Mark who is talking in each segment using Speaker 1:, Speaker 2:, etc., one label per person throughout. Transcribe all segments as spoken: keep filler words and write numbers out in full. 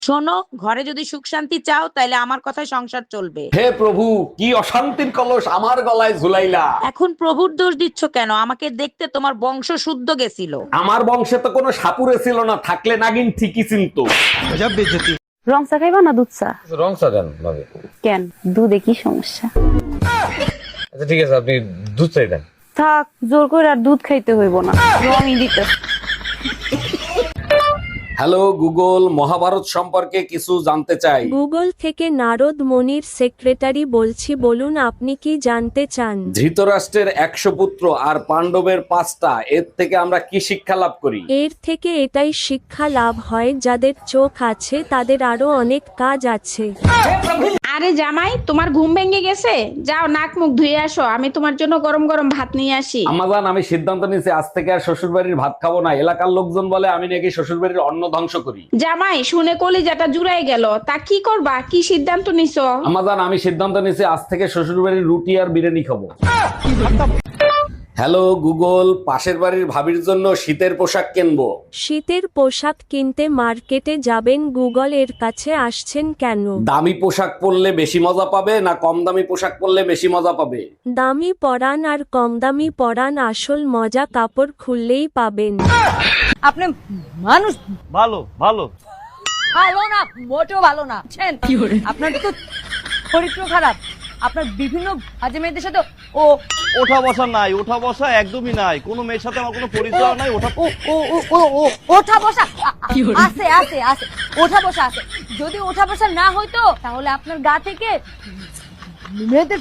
Speaker 1: শোনো, ঘরে যদি সুখ শান্তি চাও তাহলে আমার কথায় সংসার চলবে।
Speaker 2: হে প্রভু, কি অশান্তির কলস আমার গলায় ঝুলাইলা।
Speaker 1: এখন প্রভুর দোষ দিচ্ছ কেন? আমাকে দেখতে তোমার বংশ শুদ্ধ গেছিল।
Speaker 2: আমার বংশে তো কোনো সাপুরে ছিল না, থাকলে নাগিন ঠিকই চিনতো।
Speaker 3: রং চা খাইবা না দুধ চা?
Speaker 2: রং চা দেন ভাবি।
Speaker 3: কেন, দুধে কি সমস্যা?
Speaker 2: আচ্ছা ঠিক আছে, আপনি দুধ চাই দেন।
Speaker 3: থাক, জোর করে আর দুধ খাইতে হইব না, রঙই দিতে।
Speaker 2: হ্যালো গুগল, মহাভারত সম্পর্কে কিছু জানতে চাই।
Speaker 4: গুগল থেকে নারদ মনির সেক্রেটারি বলছি, বলুন আপনি কি জানতে চান?
Speaker 2: ধৃতরাষ্ট্রের একশো পুত্র আর পাণ্ডবের পাঁচটা, এর থেকে আমরা কি শিক্ষা লাভ করি?
Speaker 4: এর থেকে এটাই শিক্ষা লাভ হয়, যাদের চোখ আছে তাদের আরো অনেক কাজ আছে।
Speaker 5: আরে জামাই, তোমার ঘুম ভেঙে গেছে? যাও নাক মুখ ধুয়ে আসো, আমি তোমার জন্য গরম গরম ভাত নিয়ে আসি।
Speaker 2: আমাজান, আমি সিদ্ধান্ত নিয়েছি আজ থেকে আর শ্বশুর বাড়ির ভাত খাবো না। এলাকার লোকজন বলে আমি নাকি শ্বশুর বাড়ির অন্ন ধ্বংস করি।
Speaker 5: জামাই, শুনে কলিজাটা জুড়াই গেল। তা কি করবা? কি সিদ্ধান্ত নিছো?
Speaker 2: আমাজান, আমি সিদ্ধান্ত নিয়েছি আজ থেকে শ্বশুর বাড়ির রুটি আর বিরিয়ানি খাবো। হ্যালো গুগল, পাশের বাড়ির ভাবির জন্য শীতের পোশাক কিনবো।
Speaker 4: শীতের পোশাক কিনতে মার্কেটে যাবেন, গুগল এর কাছে আসছেন কেন?
Speaker 2: দামি পোশাক পরলে বেশি মজা পাবে না কম দামি পোশাক পরলে বেশি মজা পাবে?
Speaker 4: দামি পরান আর কম দামি পরান, আসল মজা কাপড় খুললেই পাবেন।
Speaker 6: আপনি মানুষ
Speaker 7: ভালো ভালো
Speaker 6: ভালো না, মোটেও ভালো না। বুঝছেন? আপনার তো চরিত্র খারাপ। আপনার বিভিন্ন বাজে মেয়েদের সাথে ও
Speaker 7: ওঠা বসা নাই, ওঠা বসা একদমই নাই। কোনো মেয়ের সাথে আমার কোনো পরিচয় নাই। ওঠা
Speaker 6: ও ও ও ও ও ওঠা বসা আ- আ- আছে আছে আছে ওঠা বসা আছে। যদি ওঠা বসা না হইতো তাহলে আপনার গা থেকে মেয়েদের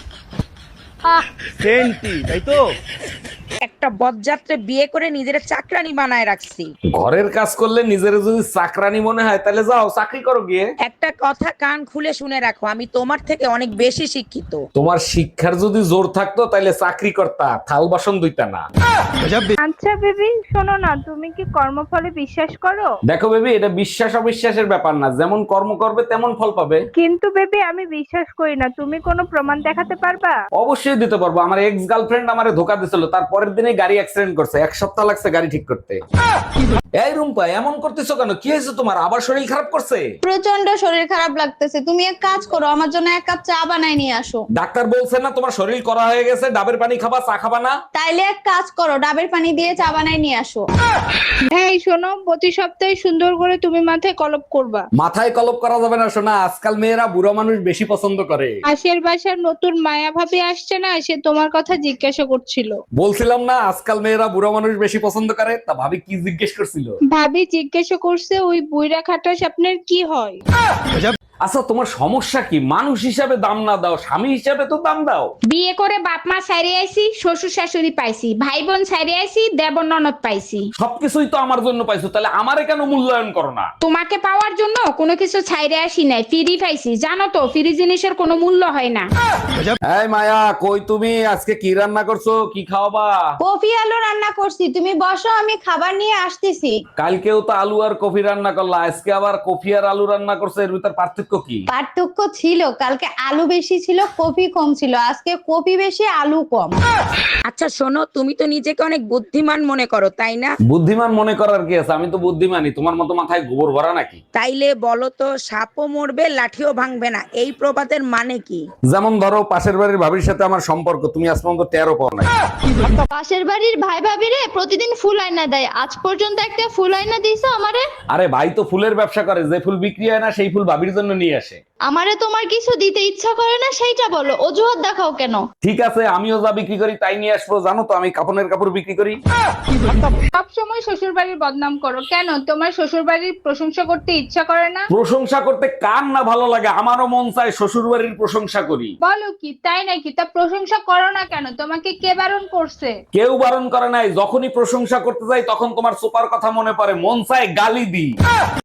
Speaker 6: আহ,
Speaker 7: সেন্টি, তাই তো?
Speaker 1: একটা বদযাত্রে বিয়ে করে নিজের চাকরানি বানায় রাখছি।
Speaker 2: ঘরের কাজ করলে নিজের যদি চাকরানি মনে হয় তাহলে যাও চাকরি করো গিয়ে।
Speaker 1: একটা কথা কান খুলে শুনে রাখো, আমি তোমার থেকে অনেক বেশি শিক্ষিত।
Speaker 2: তোমার শিক্ষার যদি জোর থাকতো তাহলে চাকরি করতা, থাল বাসন ধুইতা না।
Speaker 8: আচ্ছা বেবি, শোনো না, তুমি কি কর্মফলে বিশ্বাস করো?
Speaker 2: দেখো বেবি, এটা বিশ্বাস অবিশ্বাসের ব্যাপার না, যেমন কর্ম করবে তেমন ফল পাবে।
Speaker 8: কিন্তু বেবি, আমি বিশ্বাস করি না। তুমি কোনো প্রমাণ দেখাতে পারবা?
Speaker 2: অবশ্যই দিতে পারবো। আমার এক্স গার্লফ্রেন্ড আমারে ধোকা দিছিল, তার পরের দিনে গাড়ি অ্যাক্সিডেন্ট করছে, এক সপ্তাহ লাগছে গাড়ি ঠিক করতে। এই রুম্পা, এমন করতেছো কেন? কি হয়েছে তোমার? আবার শরীর খারাপ করছে?
Speaker 9: প্রচন্ড শরীর খারাপ লাগতেছে। তুমি এক কাজ করো, আমার জন্য এক কাপ চা বানাই নিয়ে আসো।
Speaker 2: ডাক্তার বলছে না তোমার শরীর করা হয়ে গেছে, ডাবের পানি খাবা, চা খাবা না?
Speaker 9: তাইলে এক কাজ করো, ডাবের পানি দিয়ে চা বানাই নিয়ে আসো।
Speaker 8: এই শোনো, প্রতি সপ্তাহে সুন্দর করে তুমি মাথায় কলপ করবা।
Speaker 2: মাথায় কলপ করা যাবে না শোনা, আজকাল মেয়েরা বুড়ো মানুষ বেশি পছন্দ করে।
Speaker 8: পাশের বাসার নতুন মায়া ভাবি আসছে না, সে তোমার কথা জিজ্ঞাসা করছিল।
Speaker 2: বলছিলাম না আজকাল মেয়েরা বুড়ো মানুষ বেশি পছন্দ করে, তা ভাবি কি জিজ্ঞেস করছিল?
Speaker 8: ভাবি জিজ্ঞাসা করছে, ওই বুইরা খাটাস আপনার কি হয়?
Speaker 2: আচ্ছা তোমার সমস্যা কি? মানুষ হিসাবে দাম না দাও, স্বামী হিসাবে তো দাম দাও।
Speaker 5: বিয়ে করে বাপ মা ছাইরে আইছি, শ্বশুর শাশুড়ি পাইছি, ভাই বোন ছাইরে আইছি, দেবর ননদ পাইছি।
Speaker 2: সবকিছুই তো আমার জন্য পাইছো, তাহলে আমারে কেন মূল্যায়ন করো না?
Speaker 5: তোমাকে পাওয়ার জন্য কোনো কিছু ছাইরে আসি নাই, ফ্রি পাইছি। জানো তো, ফ্রি জিনিসের কোনো মূল্য হয় না।
Speaker 2: এই মায়া, কই তুমি? আজকে কি রান্না করছো? কি খাওয়াবা?
Speaker 9: কফি আলু রান্না করছি, তুমি বসো, আমি খাবার নিয়ে আসতেছি।
Speaker 2: কালকেও তো আলু আর কফি রান্না করলা, আজকে আবার কফি আর আলু রান্না করছো, এর ভিতর পার্থক্য কি?
Speaker 9: পার্থক্য ছিল, কালকে আলু বেশি ছিল, কফি কম ছিল। আজকে কফি বেশি, আলু কম।
Speaker 1: আচ্ছা শোনো, তুমি তো নিজেকে অনেক বুদ্ধিমান মনে করো, তাই না?
Speaker 2: বুদ্ধিমান মনে করার কি আছে? আমি তো বুদ্ধিমানই। তোমার মতো মাথায় গোবর ভরা নাকি?
Speaker 1: তাইলে বলো তো, সাপও মরবে লাঠিও ভাঙবে না, এই প্রবাদের মানে কি?
Speaker 2: যেমন ধরো, পাশের বাড়ির ভাবির সাথে আমার সম্পর্ক তুমি আজ পর্যন্ত টেরও পাও না।
Speaker 9: পাশের বাড়ির ভাই ভাবিরে প্রতিদিন ফুল আয়না দেয়, আজ পর্যন্ত একটা ফুল আয়না দিছো আমারে?
Speaker 2: আরে ভাই তো ফুলের ব্যবসা করে, যে ফুল বিক্রি হয় না সেই ফুল ভাবির জন্য নিয়ে আসে।
Speaker 9: আমারে তোমার কিছু দিতে ইচ্ছা করে না, সেইটা বলো, অজুহাত দেখাও কেন?
Speaker 2: ঠিক আছে, আমিও যা বিক্রি করি তাই নিয়ে আসবো। জানো তো আমি কাপড়ের কাপড় বিক্রি করি।
Speaker 8: সব সময় শ্বশুর বাড়ির বদনাম করো কেন? তোমার শ্বশুর বাড়ির প্রশংসা করতে ইচ্ছা করে না?
Speaker 2: প্রশংসা করতে কার না ভালো লাগে? আমারও মন চায় শ্বশুর বাড়ির প্রশংসা করি।
Speaker 8: বলো কি, তাই নাকি? তা প্রশংসা করো না কেন? তোমাকে কে বারণ করছে?
Speaker 2: কেউ বারণ করে নাই, যখনই প্রশংসা করতে যাই তখন তোমার সুপার কথা মনে পড়ে, মন চায় গালি দিই।